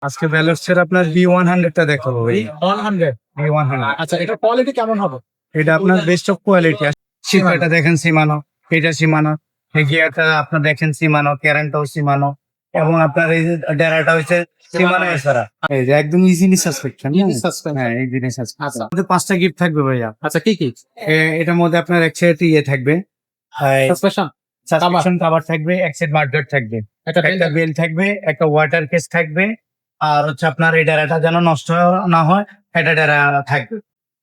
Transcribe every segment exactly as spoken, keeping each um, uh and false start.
আজকে ভ্যালরসের আপনার B one hundred টা দেখাবো ভাই। One hundred B one hundred আচ্ছা, এটার কোয়ালিটি কেমন হবে? এটা আপনার বেস্ট অফ কোয়ালিটি। শিপাটা দেখেন সীমানো, এটা সীমানো, এই গিয়ারটা আপনার দেখেন সীমানো, ক্যারেন্টটাও সীমানো, এবং আপনার এই যে ডেরাটা হচ্ছে সীমানো এছাড়া এই যে একদম ইজিলি সাসপেকশন। Easy suspension। হ্যাঁ এই জিনিস আছে। আচ্ছা। আমাদের পাঁচটা গিফট থাকবে ভাইয়া। আচ্টা কি কি এ- এটার মধ্যে আপনার এক সেট ইয়ে থাকবে, সাসপেনশন? সাসপেনশন কভার থাকবে, এক সেট মার্কেট থাকবে, এটা একটা বেল থাকবে, একটা ওয়াটার কেস থাকবে, আর হচ্ছে আপনার এই ডেরাটা যেন নষ্ট না হয় এটা ডেরা থাকবে।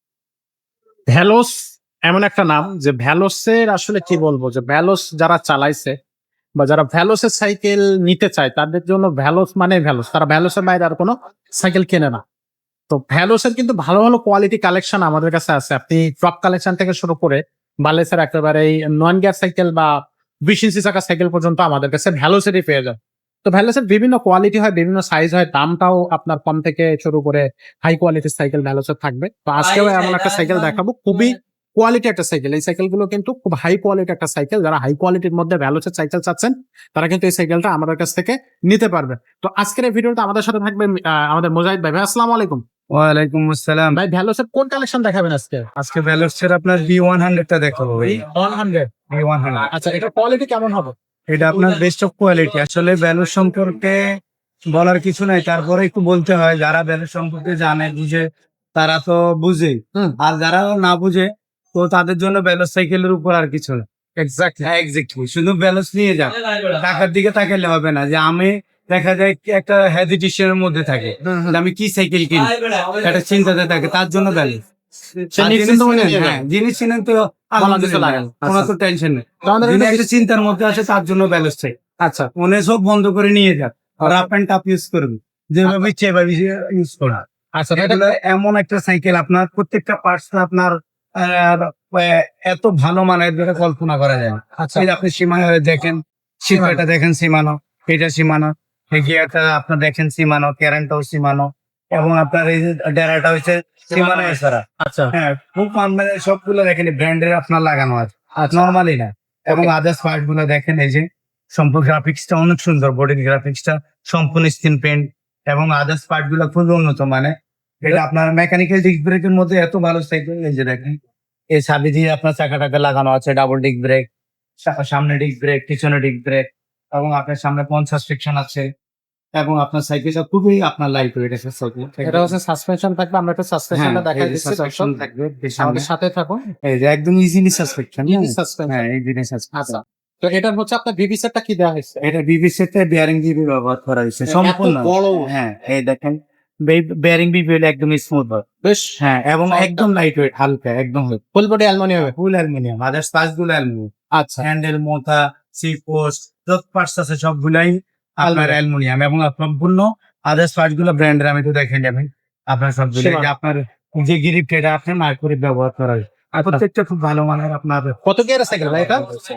ভ্যালোস এমন একটা নাম যে ভ্যালোসের আসলে কি বলবো, যে ভ্যালোস যারা চালাইছে বা যারা ভ্যালোসের সাইকেল নিতে চায় তাদের জন্য ভ্যালোস মানে ভ্যালোস, তারা ভ্যালোসের বাইরে আর কোনো সাইকেল কেনে না। তো ভ্যালোসের কিন্তু ভালো ভালো কোয়ালিটি কালেকশন আমাদের কাছে আছে। আপনি টপ কালেকশন থেকে শুরু করে বালেসের একেবারে নন গিয়ার সাইকেল বা বিশ ইঞ্চি চাকা সাইকেল পর্যন্ত আমাদের কাছে ভ্যালোসেরই পেয়ে যায়। তো ভ্যালোসের বিভিন্ন কোয়ালিটি হয়, বিভিন্ন সাইজ হয়, দামটাও আপনার কম থেকে শুরু করে হাই কোয়ালিটির সাইকেল ভ্যালোসের থাকবে। তো আজকেও এমন একটা সাইকেল দেখাবো, খুবই কোয়ালিটি একটা সাইকেল। এই সাইকেলগুলো কিন্তু খুব হাই কোয়ালিটি একটা সাইকেল। যারা হাই কোয়ালিটির মধ্যে ভ্যালোসের সাইকেল চাচ্ছেন তারা কিন্তু এই সাইকেলটা আমাদের কাছ থেকে নিতে পারবে। তো আজকের এই ভিডিওটা আমাদের সাথে থাকবে আহ, আমাদের মুজাহিদ ভাই। ভাই আসসালামু আলাইকুম। ওয়ালাইকুম আসসালাম। ভাই ভ্যালোসের কোন কালেকশন দেখাবেন আজকে? আজকে ভ্যালরসের আপনার বি ওয়ান হান্ড্রেড টা দেখাবো ভাই। One hundred B one hundred আচ্ছা, এটার কোয়ালিটি কেমন হবে? এটা আপনার বেস্ট অফ কোয়ালিটি। আসলে ভ্যালুর সম্পর্কে বলার কিছু নাই, তারপরে একটু বলতে হয়। যারা ভ্যালুর সম্পর্কে জানে বুঝে তারা তো বুঝে, হুম। আর যারা না বুঝে তো তাদের জন্য ভ্যালুস সাইকেলের উপর আর কিছু না। এক্স্যাক্টলি। হ্যাঁ এক্স্যাক্টলি, শুধু ভ্যালুস নিয়ে যান, টাকার দিকে তাকালে হবে না। যে আমি দেখা যায় কি একটা হেজিটেশনের মধ্যে থাকে যে আমি কি সাইকেল কিনবো, একটা চিন্তাতে থাকে, তার জন্য ভ্যালুস। সে আর নিশ্চিন্ত জিনিস মনে কিনেন, নিয়ে হ্যাঁ, যাবে। জিনিস কিনেন তো কিছু আলহামদুলিল্লাহ, লাগে না। কোনো আচ্ছা। তো টেনশন নেই। তো আমাদের যিনি একটা একটা চিন্তার মধ্যে আছে তার জন্য ব্যালেন্স চাই। আচ্ছা মনে সব বন্ধ করে নিয়ে যান, রাফ অ্যান্ড টাফ ইউজ করুন, যেভাবে ইচ্ছে এভাবে ইউজ করুন। আচ্ছা তো এটা এগুলো এমন একটা সাইকেল, আপনার প্রত্যেকটা পার্টস আপনার আহ, আহ, এত ভালো মানের যেটা কল্পনা করা যায় না। আচ্ছা এই যে আপনি সীমা দেখেন, শিপাটা দেখেন সীমানো, এটা সীমানো, এই গিয়ারটা আপনার দেখেন সীমানো, ক্যারেন্টটাও সীমানো, এবং আপনার এই যে ডেরাটা হচ্ছে সীমানো এছাড়া। আচ্ছা হ্যাঁ খুব মানে সবগুলো দেখেন ব্র্যান্ডের আপনার লাগানো আছে, নর্মালি না। এবং আদার্স পার্ট গুলো দেখেন, এই যে সম্পূর্ণ গ্রাফিক্সটা অনেক সুন্দর, বডির গ্রাফিক্সটা সম্পূর্ণ স্ক্রিন প্রিন্ট, এবং আদার্স পার্ট গুলো খুবই উন্নত মানে। এটা আপনার মেকানিক্যাল ডিস্ক ব্রেকের মধ্যে এত ভালো সাইকেল। এই যে দেখেন এই সাবি দিয়ে আপনার চাকাটাকে লাগানো আছে, ডাবল ডিস্ক ব্রেক, সামনে ডিস্ক ব্রেক, পিছনে ডিস্ক ব্রেক, এবং আপনার সামনে পঞ্চাশ ফ্রিকশন আছে, এবং আপনার সাইকেলটা খুবই আপনার লাইট ওয়েট আছে সাইকেল। এটা হচ্ছে সাসপেনশন থাকবে। আমরা একটা সাসপেনশনটা দেখাই দিচ্ছি সাসপেনশন দর্শক। থাকবে আমাদের সাথে থাকুন। এই যে একদম ইজিলি সাসপেকশন। Easy suspension। হ্যাঁ এই জিনিস আছে। আচ্ছা, তো এটার হচ্ছে আপনার বিবি সেটটা কি দেওয়া হয়েছে? এটা বিবি সেটে বেয়ারিং বিবি ব্যবহার করা হয়েছে এত সম্পূর্ণ। বড়। হ্যাঁ এই দেখেন বেয়ারিং বিবি হলো একদম স্মুথ হয়। বেশ হ্যাঁ এবং Soft একদম লাইট ওয়েট, হালকা একদম, full body aluminium. Full aluminium. Others parts গুলো অ্যালুমিনিয়াম, আচ্ছা হ্যান্ডেল, মোথা, সি পোস্ট, যত পার্টস আছে সবগুলাই আপনার অ্যালুমিনিয়াম, এবং সম্পূর্ণ আদার্স পার্টস গুলো ব্র্যান্ডের। আমি তো দেখে যাবেন আপনার সবগুলো। এই যে আপনার যে গ্রিপ এটা আপনার মার্কুরি ব্যবহার করা হয়, আর প্রত্যেকটা খুব ভালো মানের। আপনার কত গিয়ারের সাইকেল ভাই এটা?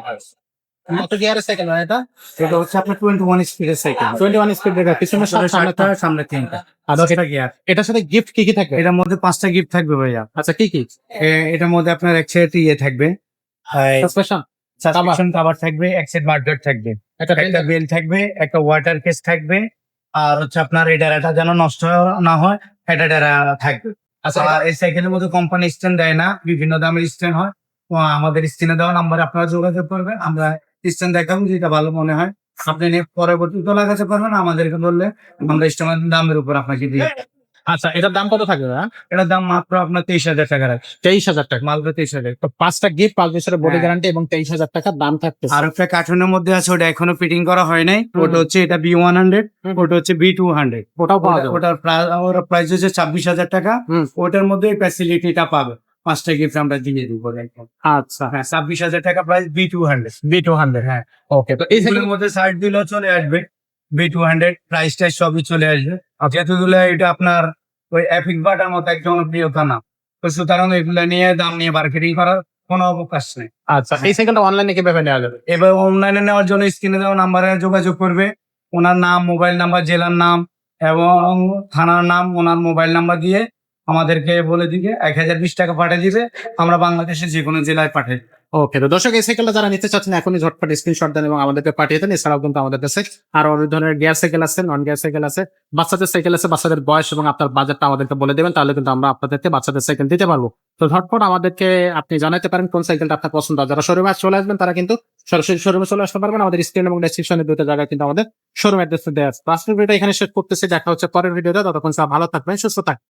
কত গিয়ারের সাইকেল ভাই এটা? এটা হচ্ছে আপনার টোয়েন্টি ওয়ান স্পিডের সাইকেল। টোয়েন্টি ওয়ান স্পিড ব্রেকার, পিছনে সাত, সামনে সাতটা, চার। সামনে তিনটা, আর দশটা গিয়ার। এটার সাথে গিফট কি কি থাকবে? এটার মধ্যে পাঁচটা গিফট থাকবে ভাইয়া। আচ্ছা কি কি? এ- এটার মধ্যে আপনার এক সেট ইয়ে থাকবে, সাসপেনশন? সাসপেনশন কভার থাকবে, এক সেট মার্কেট থাকবে, এটা একটা বেল থাকবে, একটা ওয়াটার কেস থাকবে, আর হচ্ছে আপনার এই ডেরাটা যেন নষ্ট না হয় এটা ডেরা থাকবে। আচ্ছা আর এই সাইকেলের মধ্যে কোম্পানি স্ট্যান্ড দেয় না, বিভিন্ন দামের স্ট্যান্ড হয়। তো আমাদের স্ক্রিনে দেওয়া নাম্বারে আপনারা যোগাযোগ করবেন, আমরা স্ট্যান্ড দেখাবো যেটা ভালো মনে হয়। আপনি নিয়ে পরবর্তীতে লাগাতে পারবেন, আমাদেরকে বললে আমরা স্ট্যান্ড দামের উপর আপনাকে দিই। আচ্ছা, এটার দাম কত থাকবে ভাই? এটার দাম মাত্র আপনার তেইশ হাজার টাকা রাখছে, তেইশ হাজার টাকা। মাত্র তেইশ হাজার। তো পাঁচটা গিফট, পাঁচ বছরের বডি হ্যাঁ। গ্যারান্টি এবং তেইশ হাজার টাকার দাম থাকবে। আর একটা কার্টুনের মধ্যে আছে, ওটা এখনো ফিটিং করা হয় নাই। হুম। ওটা হচ্ছে এটা বি ওয়ান হান্ড্রেড, হুম। ওটা হচ্ছে বি টু হান্ড্রেড। ওটাও পাওয়া যাবে। ওটার প্রাইস হচ্ছে ছাব্বিশ হাজার টাকা। হুম। ওটার মধ্যে ফ্যাসিলিটিটা পাবে, পাঁচটা গিফট আমরা দিয়ে দিব। আচ্ছা হ্যাঁ ছাব্বিশ হাজার টাকা price B two hundred. B two hundred. হ্যাঁ ওকে, তো এই এগুলোর সাইকেল মধ্যে সাইড দিলেও চলে আসবে, বি টু হান্ড্রেড প্রাইস টাইস সবই চলে আসবে। যেহেতু এগুলো এটা আপনার ওই এপিক বাটার মতো এক জনপ্রিয়তা না, তো সুতরাং এগুলো নিয়ে দাম নিয়ে মার্কেটিং করার কোনো অবকাশ নেই। আচ্ছা, এই সাইকেলটা অনলাইনে কিভাবে নেওয়া যাবে? এবার অনলাইনে নেওয়ার জন্য স্ক্রিনে দেওয়া নাম্বারে যোগাযোগ করবে, ওনার নাম, মোবাইল নাম্বার, জেলার নাম এবং থানার নাম, ওনার মোবাইল নাম্বার দিয়ে আমাদেরকে বলে দিবে, এক হাজার বিশ টাকা পাঠিয়ে দিবে। আমরা বাংলাদেশের যে কোনো জেলায় পাঠাই। ওকে, তো দর্শক এই সাইকেলটা যারা নিতে চাচ্ছেন এখনই ঝটপট স্ক্রিনশট দেন এবং আমাদেরকে পাঠিয়ে দেন। এছাড়াও কিন্তু আমাদের কাছে আরো অনেক ধরনের গিয়ার সাইকেল আছে, নন গিয়ার সাইকেল আছে, বাচ্চাদের সাইকেল আছে। বাচ্চাদের বয়স এবং আপনার বাজেটটা আমাদেরকে বলে দেবেন, তাহলে কিন্তু আমরা আপনাদেরকে বাচ্চাদের সাইকেল দিতে পারবো। তো ঝটপট আমাদেরকে আপনি জানাতে পারেন কোন সাইকেলটা আপনার পছন্দ হয়। যারা শোরুমে চলে আসবেন তারা কিন্তু সরাসরি শোরুমে চলে আসতে পারবেন। আমাদের স্ক্রিন এবং ডেসক্রিপশনে দুটো জায়গায় কিন্তু আমাদের শোরুম অ্যাড্রেস দেওয়া আছে। তো আজকের ভিডিওটা এখানে শেষ করতেছি, দেখা হচ্ছে পরের ভিডিওতে। ততক্ষণ সব ভালো থাকবেন, সুস্থ থাকবেন।